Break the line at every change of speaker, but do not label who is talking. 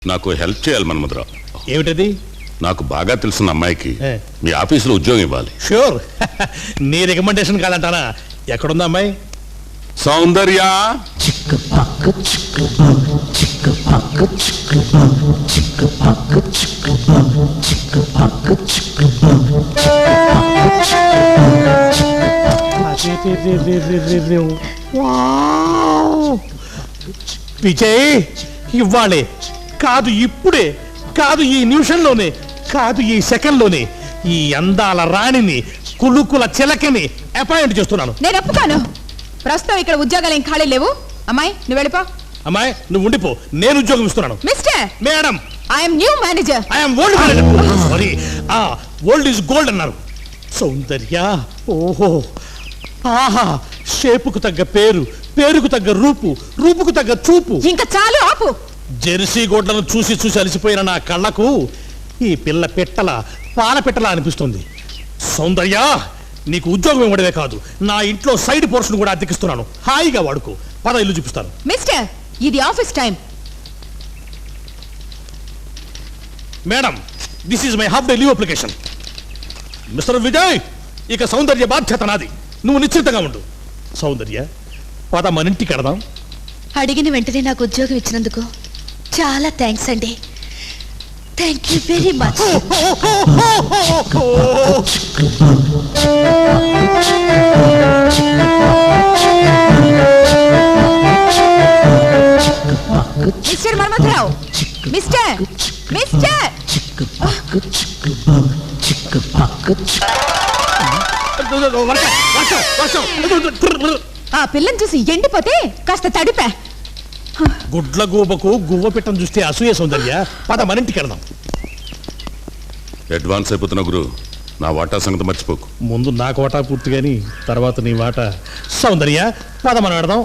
నాకు హెల్ప్ చేయాలి మన్మధరావు.
ఏమిటది?
నాకు బాగా తెలిసిన అమ్మాయికి మీ ఆఫీసులో ఉద్యోగం ఇవ్వాలి.
షూర్. నీ రికమెండేషన్ కాదంటానా? ఎక్కడుందా అమ్మాయి?
సౌందర్య,
విజయ్, ఇవ్వాలే కాదు, ఇప్పుడే కాదు, ఈ నిమిషంలోనే కాదు, ఈ సెకండ్లోనే ఈ అందాల రాణిని, కులుకుల చిలకని అపాయింట్ చేస్తున్నాను.
నేను ఒప్పుకోను. ప్రస్తుతం ఇక్కడ ఉద్యోగాలు ఏం ఖాళీ లేవు. అమ్మాయి, నువ్వు వెళ్ళిపో.
అమ్మాయి, నువ్వు ఉండిపో, నేను ఉద్యోగం ఇస్తున్నాను.
Mister,
madam,
I'm new manager.
I'm old manager. Sorry, old is gold అన్నారు. సౌందర్య, ఓహో, ఆహా, షేపుకు తగ్గ పేరు, పేరుకు తగ్గ రూపు, రూపుకు తగ్గ చూపు.
ఇంకా చాలు, ఆపు.
జెర్సీ గోడ్లను చూసి చూసి అలసిపోయిన నా కళ్ళకు ఈ పిల్ల పెట్టల, పాల పెట్టల అనిపిస్తుంది. సౌందర్య, నీకు ఉద్యోగం ఇవ్వడమే కాదు, నా ఇంట్లో సైడ్ పోర్షన్ కూడా అద్దెకిస్తున్నాను. హాయిగా వాడుకో. పద, ఇల్లు చూపిస్తాను.
మిస్టర్, ఇది office time.
Madam, this is my half day leave application. Mister Vijay, ఇక సౌందర్య బాధ్యత నాది. నువ్వు నిశ్చింతగా ఉండు. సౌందర్య, పద, మన ఇంటికి కడదాం.
అడిగిన వెంటనే నాకు ఉద్యోగం ఇచ్చినందుకు చాలా థ్యాంక్స్ అండి. Thank you very much.
Mister Manmatharao, mister, mister. ఆ పిల్లని చూసి ఎండిపోతే కాస్త తడిపా.
గుడ్ల గూబకు గువ్వ పెట్టని చూస్తే అసూయ. సౌందర్య, పద, మన ఇంటికి వెళ్దాం.
అడ్వాన్స్ అయిపోతున్నా గురు, నా వాటా సంగతి మర్చిపోకు.
ముందు నాకు వాటా పూర్తిగాని తర్వాత నీ వాటా. సౌందర్య, పద, మనం వెడదాం.